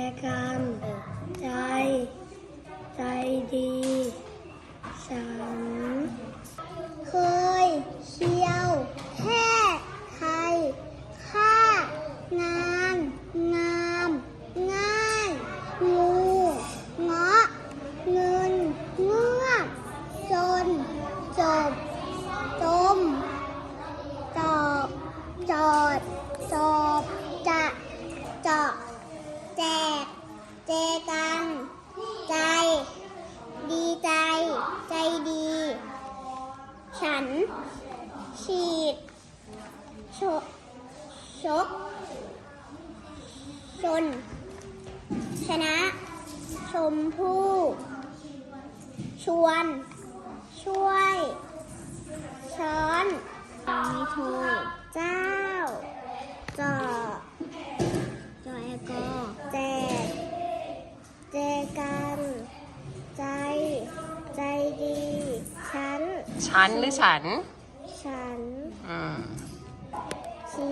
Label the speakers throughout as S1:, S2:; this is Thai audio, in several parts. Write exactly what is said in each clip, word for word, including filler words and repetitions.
S1: กันใจใจดีฉันเคยเที่ยวแค่ใครค่างานงามง่ายงูเงาะเงินเงือกจนจบจมจอบจอดจอบจะเจาะแจกเจกันใจดีใจใจดีฉันฉีดชกชกชนชนะชมพู่ชวนช่วยช้อนมีโทเจ้าจอจอแอลกอแจกเจกันใจใจดีฉัน
S2: ฉันหรือฉัน
S1: ฉัน
S2: อืม
S1: ชี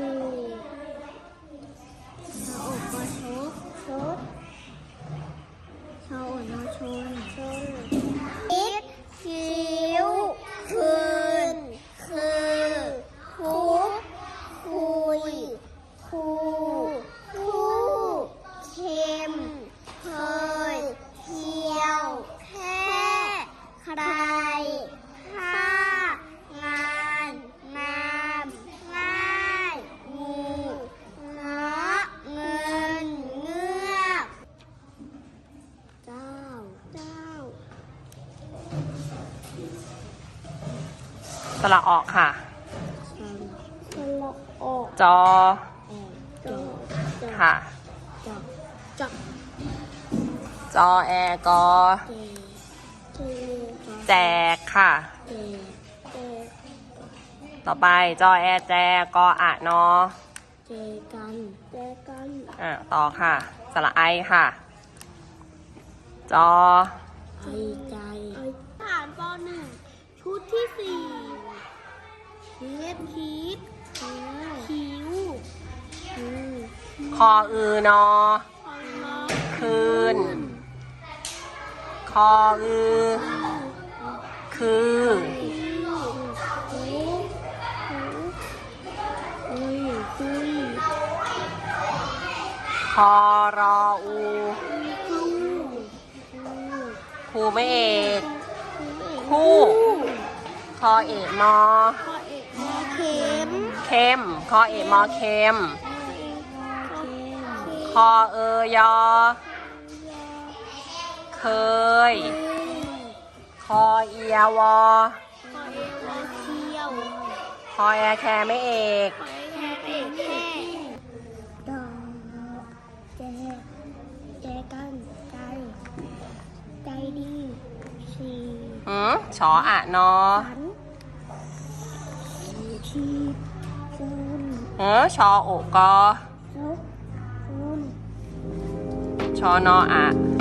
S1: ชาอกก็ชกชดชาอกนอชนชนคิดคิ้วคืนคือคุกคุยคูคู่เข้มเคยเที่ยวแค่ใครค่างานงามง่ายงูเงาะเงินเงือกเจ้าเจ้า
S2: สระออกค่ะ
S1: ฉันสละออก
S2: จอ
S1: ออกจอจอ
S2: ค่ะ
S1: จอจอ
S2: จอแอร์กอ
S1: เจเจ
S2: แจกค่ะ
S1: เจเจ
S2: ต่อไปจอแอร์แจกออะนอ
S1: เจกันเจกัน
S2: อ่ะต่อค่ะ สระไอค่ะ จอ
S1: ไอใจผ่านปหนึ่งชุดที่สี่เทียบคิดคิ้วคิ้ว
S2: คออือนอ คืน คออือ คือ คอรออูครูไม่เอกคู่คอเอกมอ
S1: เข็ม
S2: เข้มคอเอกมอเข้มคอเอยอ เคย คอเอียวอ คอแอแคร์ไม่เอก
S1: ดอกแจแจกันใจใจดีชี
S2: หืมชออะนอ
S1: ฉันชีจูน
S2: เออชอโอกอ
S1: นกจูน
S2: ชอนออะ
S1: ช